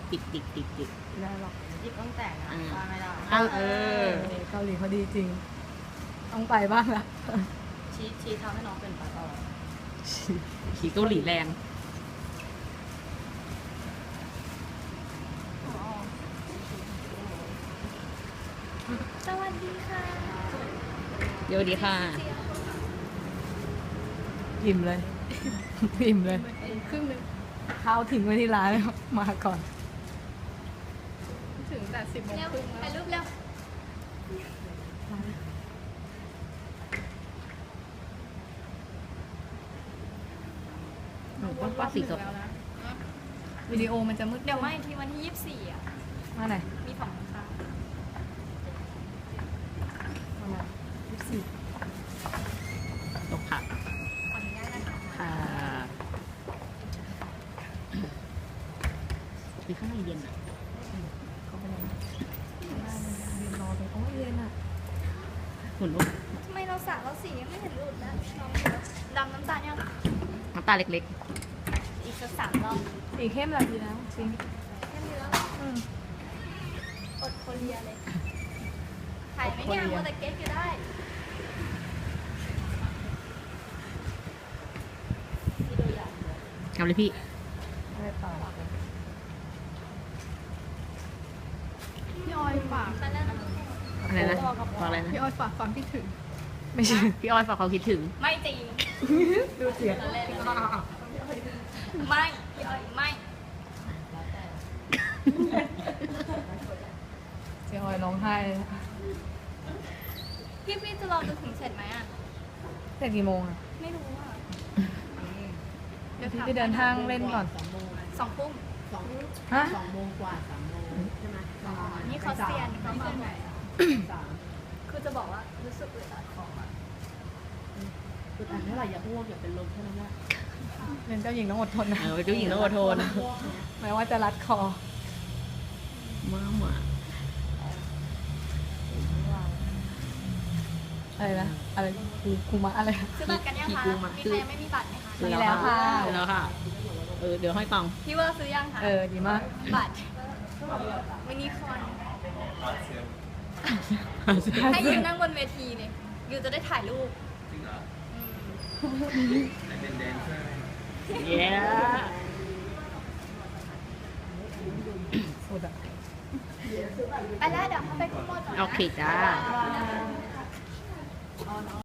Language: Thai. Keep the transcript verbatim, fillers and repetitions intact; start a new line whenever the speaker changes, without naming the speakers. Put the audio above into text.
ติดติดติดติด
ไม่ได้หรอก
จิบต้องแต่งนะว่าไม่ได้
เออเออ
เกาหลีเขาดีจริง ต้องไปบ้างละ
ชีชีทำให้น้องเป็นปลาตอง
ขี่เกาหลีแรง
สวัสดีค่ะ
เดี๋ยวดีค่ะ
อิ่มเลย อิ่มเลย
ครึ่งนึง
ข้าวทิ้งไว้ที่ร้านแล้วมาก่อน
ถึงแต่สิบโมง
เร็ว
ครึ่ง
ถ่ายรูปเร็ว
หนูว่าป้าสีสด
วิดีโอมันจะมืด
เดี๋ยวมาอีกทีวันที่ยี่สิบสี่อ่ะ
มาไหน
มีสองครั้ง
มาไหนยี่สิบสี่
ตกผัก
ขออนุญาตนะคะ
ค่ะมีข้างในเย็นอ่ะ
เขาไปไหนยืนรอเลยโอ้ยเย็นอ่ะ
หุ่นลูก
ทำไมเราสระเราสียังไม่เห็นหลุดนะน้องดำน้ำตาลยัง
น้ำตาเล็ก
อีกสักสามรอบ
สีเข้มแบบดีแล้วจริง
แค่นี้แล้ว
อืม
อดโคเรียเลย ถ่ายไหมเนี่ยมัวแต่เก็ตอยู่ได้
ๆเอาเลยพี่
ไม่ต่อหรอก
พี่ออยฝาก
ตอนนั้น
อะไรนะฝากอะไรนะ
พี่ออยฝากความคิดถึง
ไม่ใช่
พี่อ้อยฝากความคิดถึง
ไม่จริง
ดูเสียง
เราเล่นไม่พี่อ้อยไม่
เจ๊ออยร้องไห้เลย
พี่พี่จะรอจนถึงเสร็จไหมอ่ะ
แต่กี่โมงอ่ะ
ไม่รู้อ่ะ
เดี๋ยวพี่ไปเดินทางเล่นก่อน
สองทุ่ม
ฮะ
นี่เขาเซียนเขามาคือจะบอกว่ารู้สึกอึดอัดคออะ
คืออ่านเท่าไหร่อย่าอ้วกอย่าเป็นลมแค่นั้นแหละ
เป็นเจ้าหญิงต้องอดทนนะ
เออเจ้าหญิงต้องอดทน
แม้ว่าจะรัดคอ
มาหมา
อะไรนะ อะไรกูกูมาอะไร
ซื้อบัตรกันยังคะมีใครยังไม่มีบัตรไหมคะ
มีแล้วค่ะ
ซื้อแล้วค่ะ เออ เดี๋ยวให้ตังค์
พี่เวอร์ซื้อยังคะ
เออ ดีมาก
บัตรมินิคอนให้ยืนนั่งบนเวทีเนี่ยยูจะได้ถ่ายรูปอืม
เย้
สุดอ่ะ
ไปแล้วเดี๋ยวเขาไปขึ้นรถก่อนนะ
โอเคจ้า